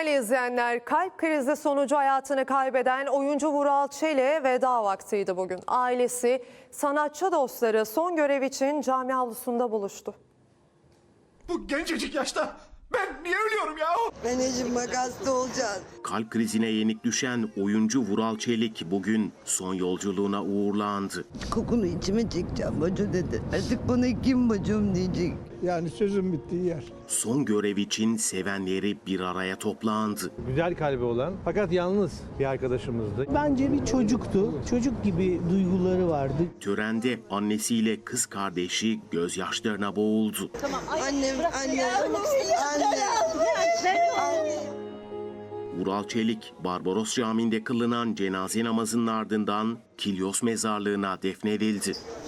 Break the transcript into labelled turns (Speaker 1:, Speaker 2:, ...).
Speaker 1: Değerli izleyenler, kalp krizi sonucu hayatını kaybeden oyuncu Vural Çelik'e veda vaktiydi bugün. Ailesi, sanatçı dostları son görev için cami avlusunda buluştu.
Speaker 2: Bu gencecik yaşta ben niye ölüyorum ya?
Speaker 3: Anneciğim bak hasta olacaksın.
Speaker 4: Kalp krizine yenik düşen oyuncu Vural Çelik bugün son yolculuğuna uğurlandı.
Speaker 3: Kokunu içime çekeceğim bacı dedi. Artık bana kim bacım diyecek.
Speaker 5: Yani sözün bittiği yer.
Speaker 4: Son görev için sevenleri bir araya toplandı.
Speaker 6: Güzel kalbi olan fakat yalnız bir arkadaşımızdı.
Speaker 7: Bence bir çocuktu. Çocuk gibi duyguları vardı.
Speaker 4: Törende annesiyle kız kardeşi gözyaşlarına boğuldu.
Speaker 3: Annem.
Speaker 4: Vural Çelik, Barbaros Camii'nde kılınan cenaze namazının ardından Kilyos mezarlığına defnedildi.